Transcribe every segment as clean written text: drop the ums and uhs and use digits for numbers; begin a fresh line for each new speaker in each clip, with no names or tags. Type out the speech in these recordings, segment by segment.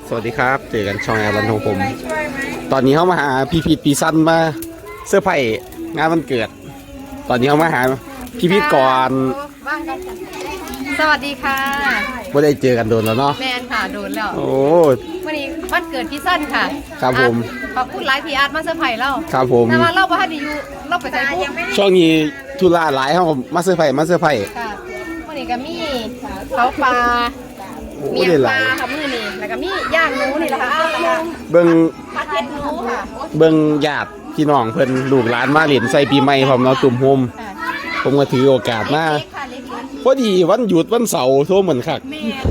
สวัสดีครับเจอกันช่องแอร์บันของผมตอนนี้เขามาหาพี่พีทปีสั้นมาเสื้อไผ่งานวันเกิดตอนนี้เขามาหาพี่พีทก่อน
สวัสดีค่ะ
ไม่ได้เจอกันโดนแล้วเนาะ
แมนค่ะโดนแล้ว
โอ้
วันนี้วันเกิดพี่สั้นค่ะ
ครับผม
ขอบคุณไลฟ์พี่อาร์ตมาเซอร์ไพรส์เรา
ครับผม
แต่ว่าเราบ้านดีอยู่เราไปใจปุ๊บ
ช่วงนี้ธุระหลายเขามาเสื้อไผ่
ค่ะวันนี้ก็มีเขาปลาเมียปลาค่ะมือนี่แล้วก็มีย่างหนูนี่แหละค่ะ
เบิ้ง
ผัดเผ็ดหนูค่ะ
เบิ้งญาติพี่น้องเพิ่นลูกหลานมาเล่นใส่ปีใหม่พร้อมเนาะตุ่มโฮมผมก็ถือโอกาสมาพอดีวันหยุดวันเสาร์โทรเหมือนคัก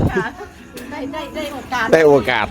ได้โอกาส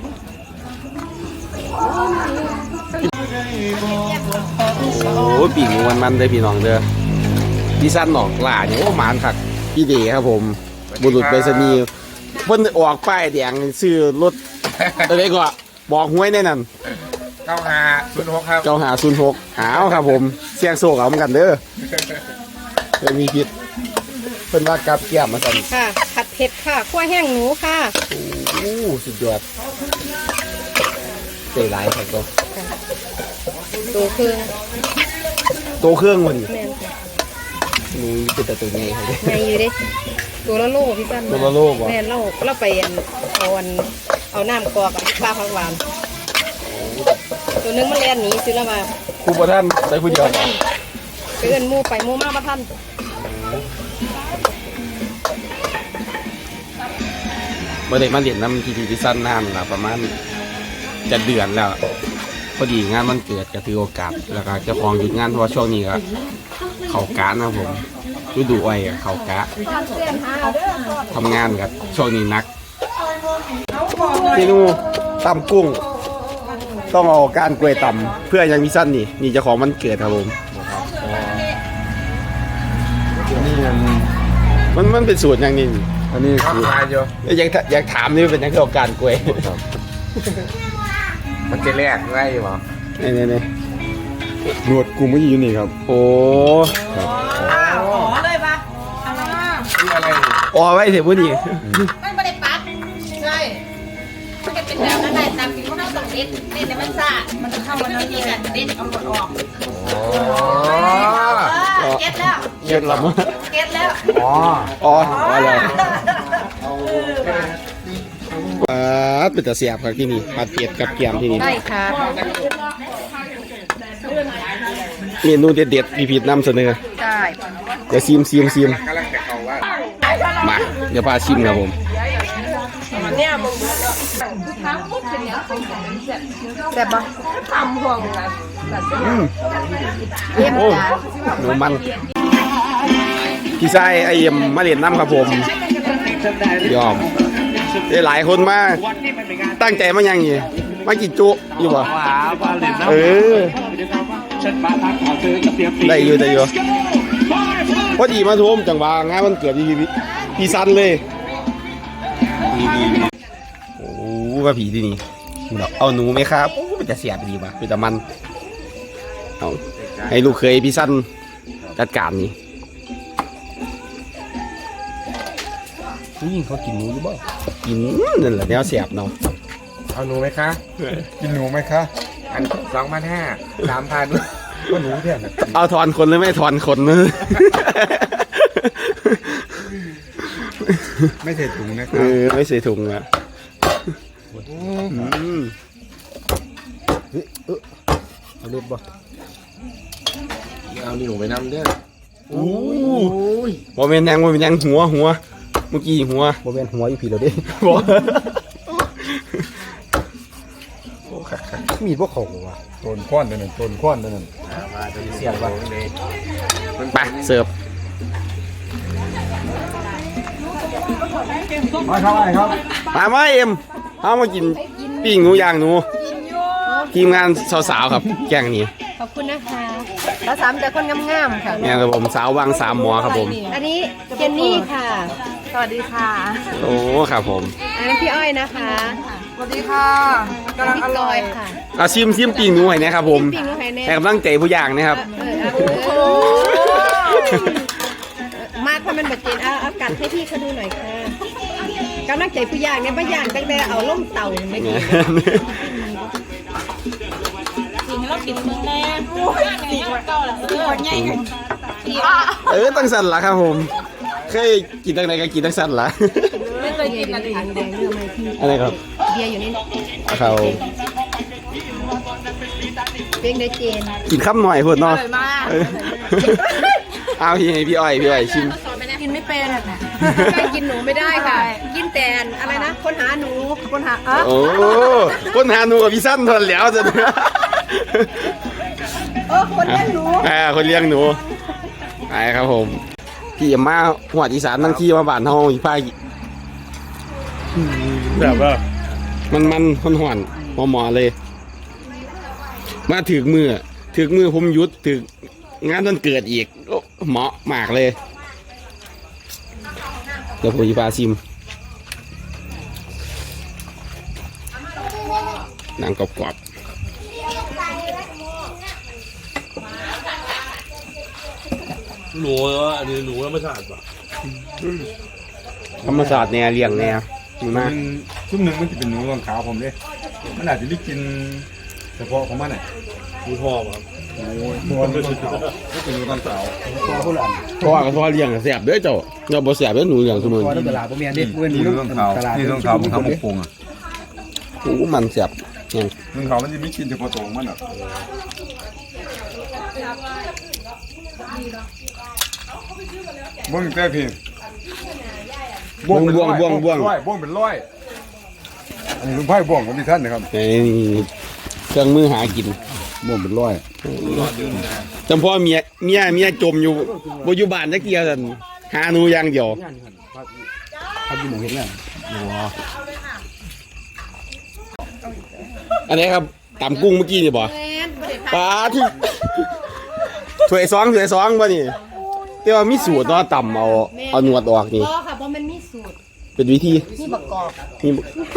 โอ้ปีงูมันได้พี่น้องเด้อพี่สั้นออกล่าเนี่ยโอ้หมานคักพี่เดครับผมบุรุษไปรษณีย์เพิ่นออกป้ายแดงซื้อรถอะไรก็บอกหวยแน่นั่น
9506ครับ
9506หาวครับผมเสียงโศกเอาเหมือนกันเด้อเพิ่นมีผิดเพิ่นว่ากับเกี่ยมมาสั่น
ค่ะผัดเผ็ดค่ะคั่วแห้งหนูค่ะ
โอ้สุดยอดใจร้ายครับ
ตัวเครื่อง
วันนี้
แม่นค่ะ
นี่เป็นแต่ตัวใหญ่ครับ
ใหญ่อยู่ดิตัวละโลพี่สั้น
ตัวละโลบ่
แม่นเราไปเอาน้ำกอกกับปลาผักหวานตัวนึงมันเลียนหนีซื้อแล้วมา
ครูประท่านได้ผู้เดียว
ไปเอิ้นหมู่ไปหมู่มาประท่าน
เมื่อเด็กมาเรียนน้ำทีสั้นนานละประมาณจะเดือนแล้วพอดีงานมันเกิดก็ถือโอกาสแล้วก็เจ้าของหยุดงานเพราะว่าช่วงนี้ก็เขากะนะผมฤดูอ้อยเขากะทำงานกับช่วงนี้นักเมนูตำกุ้งต้องเอาก้านกล้วยตำเพื่อยังมีสั้นนี่เจ้าของมันเกิดครับผมมันเป็นสูตรอย่างนี้
อันนี้ข้าวปลาอยู่
อยากถามนี่เป็นยังไงกับการกล้วย
มันจะแลกไว้หรอ
นี่
หนวดกูไม่อยู่นี่ครับ
โอ้
เลยปะ
นี่อะไร
อ๋อไว้เถอะพูดดี
มันไม่ได้ปัดใช่มันจะเป็นแบบนั้นได้ตามที่เขาต้องเด็ดแต่มันซ่ามันจะเข้ามาในนี้กันเด็ดเอาหมดออกเก็ตแล้ว
เก็ตแล้ว
เก็ตแล้ว
อะไรเป็นตะเสียบครับที่นี่ผัดเผ็ดกับแกมที่นี่
ได้ค่ะ
เมนูเด็ดๆพี่พีทนำเสนอ
ได้
เดี๋ยวซิมมาเดี๋ยวพาชิมครับผม
แซ่บปะทำห่วงกัน
โอ้หนูมันพี่ชายไอเอ็มมาเรียนน้ำครับผมยอมได้หลายคนมาตั้งใจมายังนี่มากินจุอยู่บ่ได้อยู่พอดีมาทุ่มจังหวะงานมันเกิดพี่สั้นเลยโอ้ว่าผีที่นี่เอาหนูไหมครับเป็นจะเสียบดีป่ะเป็นแต่มันเอาให้ลูกเคยพี่สั้นจัดการนี่เขากินหนูหรือเปล่ากินนั่นแหละแนวเสียบเนาะ
เอาหนูไหมคะกินหนูไหมคะอัน2,500 3,000ก็หนูแค่
เอาถอนคนหรือไม่ถอนคน
ไม่ใส่ถุงนะครับ
ไม่ใส่ถุงนะเอาเล็บบ่
เอาหนูไปนำด้วย
โอ้ยบ่เป็นยังหัวเมื่อกี้หัวบ่เป็นหัวอยู่ผีเราดิบ่
มีพวกเขาว่ะต้นข้อนนั่นมาจะเสียบว่า
ไปเสิร์ฟ
มาเท่าไหร่ครับ
มาเอ็มเอามากินปิ้งหนูย่างหนูทีมงานสาวๆครับแกงนี้
ขอบคุณนะคะเราสามแต่คนงามๆค่ะ
เนี่ยครับผมสาววังสามหมอครับผม
อันนี้เจนนี่ค่ะสวัสดีค่ะ
โอ้ครับผม
อันนี้พี่อ้อยนะคะ
สวัสดีค่ะกำลังอร่อย
ค่ะ
เอาชิมปิ้งหนูให้นะครับผมให้กำลังใจผู้ย่างนะครับ
มากเพราะมันแบบเจนเอากัดให้พี่เขาดูหน่อยค่ะกำลังใจผู้ย่างเนี่ยผู้ย่างตั้งแต่เอาล่มเต่าไม่กินกินแล้วกินมึงแน่สีเก่าละใหญ่
ตั้งสั่นละครับผมเคยกินตั้งไหนก็กินตั้งสั่นละ
ไม่เคยกินอะไรถังแดงเรื่องอะไรที่
อะไรครับ
เบียร์อยู่นี่
เขา
เป็นเดเจน
กินข้ามหน่อยพูดเนาะ
อร่อยมาก
เอาพี่อ้อยชิม
กินไม่เป็นกินหนูไม่ได้ค่ะ กินแต่อะไรนะคนหาหนูคนหา
โอ้คนหาหนูกับพี่สั้นทนแล้วจะ
คนเลี้ยงหนู
คนเลี้ยงหนูไอ้ครับผมพี่มาหัวอีสานทั้งที่มาบ้านห้องอีพายแบบว่ามันหอนหมอเลยมาถึงมือผมยุดถึงงานวันเกิดอีกเหมาะมากเลยเดี๋ยวผมจะพาชิมหนังกรอบ
หนูว่าอันนี้หนูธรรมชาติป่ะ
ธรรมศาสตร์แนวเลี้ยงแนวมาก
ชุ่มหนึ่งมันจะเป็นหนูรองขาวผมเลยมันอาจจะได้กินเฉพาะของมันน่ะ
หนูทอป่ะ
ตัวมันรองขาวก็เป็นหนูรองขาวตัวผู้หลาน
เพราะว่าเขาเลี้ยงแสบเด้อเจ้าเราบ่แสบเด้อหนูเลี้ยงเสมอ
ตัวตลาดผมเมียนดินี่รองขาวนี่รองขาวมันทำหมกปงอ่ะ
โอ้มันแสบเนี่ย
รองขาวมันจะไม่กินเฉพาะตัวของมันอ่ะบ้วงแต่พี่บ้วงเป็นร้อยบ้วงเป็นร้อยอันนี้ลุงไพ่บ้วงของพี่ท่านนะครับ
เครื่องมือหากิน
บ้วงเป็นร้อย
จำพ่อเมียจมอยู่บ่อยู่บ้านจักเที่ยซั่นหาหนูอย่างเดียว
เขาอยู่หมู่เห็นแล้ว
อันนี้ครับตำกุ้งเมื่อกี้นี่บ่ปลาที่ถ้วยซองบ่นี่แต่ว่ามีสูตรเนาะตำเอาหนวดออกนี่
ก็ค่ะเพราะมันมีสูตร
เป็นวิธี
มีบักกอก
นี่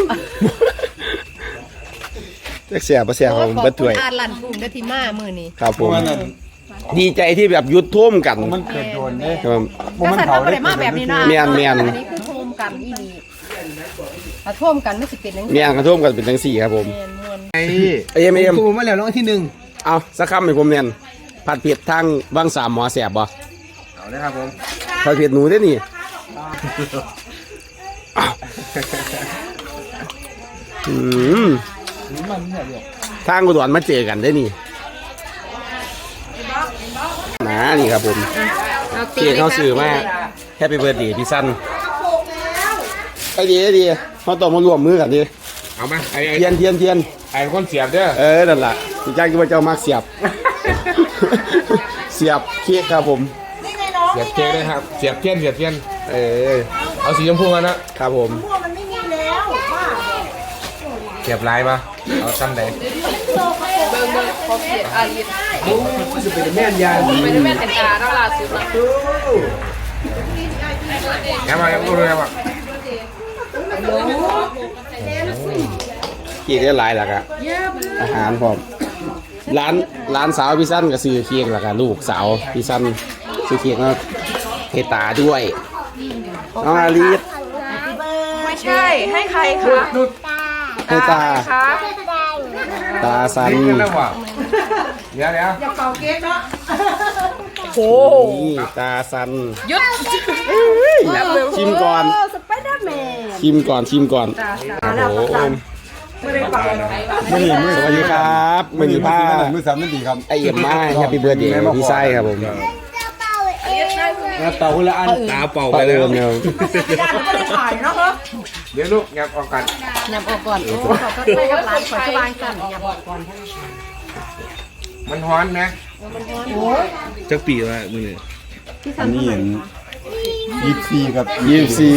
จักแสบบ่แสบของเบิดถ้วย
อ่านลั่นปุ่มได้ที่มามือนี้
ครับผมดีใจที่แบบหยุดท่วมกัน
มันเกิดโดนเนี่ย
ครับ
ก็ใส่ผ้าได้มาแบบนี้นะ
แม่น
อันนี้คือโทมกันอีนี่ถ้าโทมกันไม่สิเป็นนัง
เมียนกระท่วมกันเป็นจังซี่ครับผม
ไอ้
เอ็ม
กูมาแล้วน้องที่หนึ่ง
เอาสักคำให้ผมเนียนผัดเผ็ดทางบางสามหมอแสบบ่
เอาเลยครับผม
ผัดเผ็ดหนูได้นี่ทางกุดรมาเจอกันได้นี่นะนี่ครับผมเกียเขาสื่อมากแฮปปี้เบิร์ดเดย์พี่สั้นไอดีเขาต้องมารวมมือกันดิ
เอามาไอ้
เทียน
ไอ้คนเสียบเด้อ
นั่นแหละพี่จ้างที่ว่าเจ้ามากเสียบ เสียบเค้กครับผม
เสียบเค้กเลยครับเสียบเทียนเอาสีชมพูมานะครับ
ผม
เสียบลายมาเอาตั้งไหน
เบิ่งขอเกียรติอาลี
โอ้จะเป็นแม่นยา
ไม่ได้แม่นแต่ตาเท่าล่าสุดนะ
ยังมายังดูเลยมา
เค้กได้หลายหลักอะอาหารพร้อมร้านสาวพี่สั้นก็ซื้อเค้กหลักอะลูกสาวพี่สั้นซื้อเค้กมาเฮตาด้วยน้องอาลีด
ไม่ใช่ให้ใครคะ
ให้ตา
คะ
ตาสัน
นี่แล้วว่ะเดี๋ยว
โอ้
นี่ตาสัน
ยุด
ชิมก่อน
สไปเดอร์แมน
ชิมก่อนโอ้โห
มือ
สวัสดีครับมือนี้ผ้า
มือสามนั่นดีครับ
ไอเอ็มมาแฮปปี้เบิร์ดเดย์พี่ไส้ครับผม
เป่าคนละอันตาเป่า
ไป
ไป
เล
เลย ย
เนี่ย
เดี๋ยวลูกงับออกกัน
นำออกก่อนโอ้เขาก็ใส่กับร้านขอชบานสั่นนำออกก่อน
มันฮ้อนนะ
จักปีละมือนี่
อันนี้เห็น24ครับ
24
ที่สี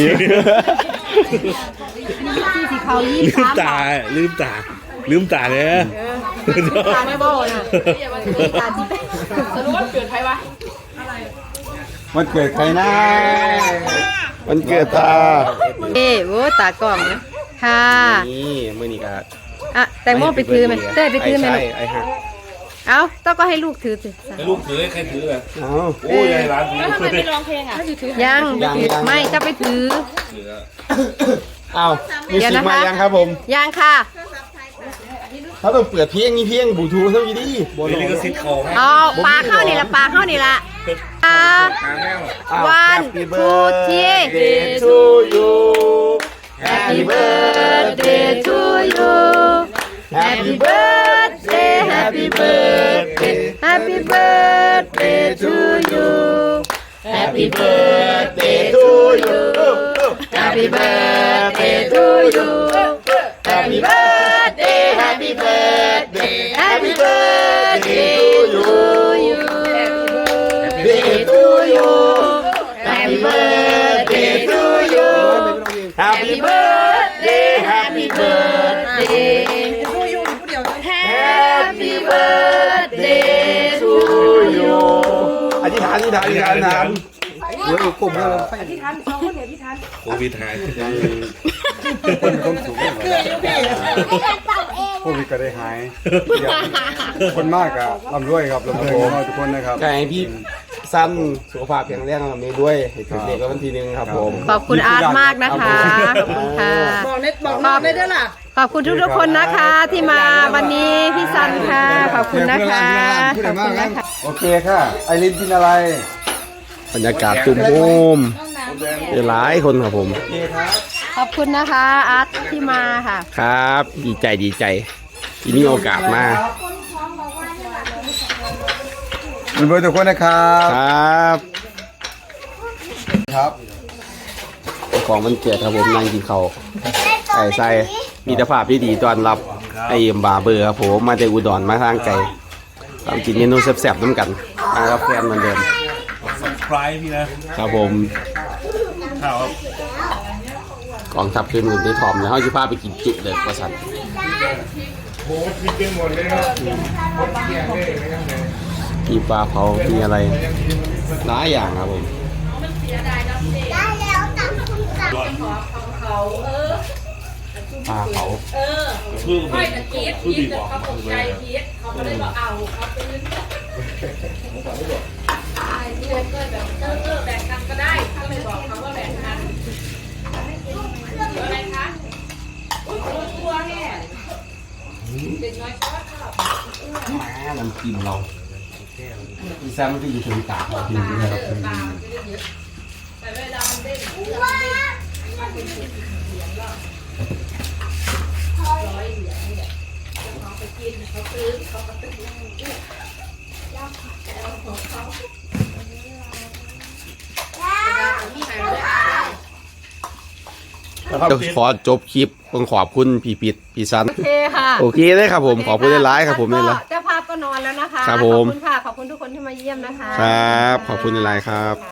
เขา
ลืมตาเนี่ย
ตาไม่บอกนะตาที่เป็น
สรุปว่าเกิดใครวะ
มันเกิดใครนะ
วันเกิดตา
โอ้ตากล่องนะค่ะ
นี่มือนี้ก็
อ่ะแต่โม่ไปถือไหมเต้ไปถือไหม
ไอ้ฮะ
เอาต้องก็ให้ลูกถือสิ
ให้ลูกถือให้ใครถือเลย
เอา
โอ้ยให้ร้านถือ
ยังไม่จะไปถือ
ถือ
อ้าวมี
เดี๋ยว
สิ
นะคะ
มายังครับผม
ยังค่ะ
เขาต้องเปิดเพลงนี้เพลงบลูทูธเท่านี้ดิ
นี่ลิขสิทธิ์ของ
เอาปลาเข้านี่ละปลาเข้านี่ละวันทูที
to you
Happy birthday to you Happy birthday Happy birthday Happy birthday to you Happy birthday to you Happy birthday to you Happy birthday Happy birthday Happy birthday to you Birthday to you Happy birthday to you Happy birthday Happy birthday Happy birthday to you
อธิษฐานอธิษฐานอธิษฐานอธิษฐาน
เดี๋ยวกลุ่มเรา
โควิดหาย
คนมีความสุขพวกนี้ก็ได้หายคนมากอะร่ำรวยครับร่ำรวยกันทุกคนนะครับ
ก็ให้พี่สั้นสุขภาพแข็งแรงกับนี้ด้วยให้ถึงเด็กก็วันที่หนึ่งครับผม
ขอบคุณอาร์ตมากนะคะ ขอบคุณค่ะ
บอกเน็ตบอกน้องได้ด้วยล่ะ
ขอบคุณทุกๆคนนะคะที่มาวันนี้พี่ซันค่ะ ขอบคุณนะคะ ขอบคุณนะคะ
โอเคค่ะ ไอรินกินอะไร
บรรยากาศตุ้มโฮมหลายคนครับผม
ขอบคุณนะคะอาร์ตที่มาค่ะ
ครับ ดีใจดีใจที่มีโอกาสมา
เป็นเบอร์ทุกคนนะครับ
ครับ
ครับ
ของมันเกิดครับผมนั่งกินข้าวใส่มีแต่ภาพที่ดีต้อนรับไอ้บาเบอร์ครับผมมาจากอุดรมาทางไกลทำกินเมนูแซ่บๆน้ำกันมากับแฟนเหมือนเดิม
ไพรพี่นะครับ
ผม
ข่าวครับ
กองทัพขึ้นหนุนได้ทอมแล้วเขาจะพาไปกินจุเลยว่าสันมีปลาเผามีอะไรหลายอย่างครับผมปลาเผา
คือ
ค่อยตะกี้พีทเขาตกใจพีทเขาไม่ได้บอกเอาเขาไปยืนที่เลยเกิดแบบแบ่งกันก็ได้เขาเลยบอกเขาว่าแบ่งกันอะไรคะตัวแห่เด็กน้อยชอบ
มาน้ำจิ้มเราพี่แซมมันก็อยู่ตรงกลางเราพิมพ์นะครับ
แต่เวลามันเด้ง
ขอจบคลิปต้องขอบคุณพี่ปิดพี่ซัน
โอเคค่ะ
โอเคเลยครับผมขอบคุณหลายๆครับผมนี่แหละ
เจ้าภาพก็นอนแล้วนะคะ
ครับผม
ขอบคุณค่ะ ขอบคุณทุกคนที่มาเยี่ยมนะคะ
ครับขอบคุณหลายๆครับ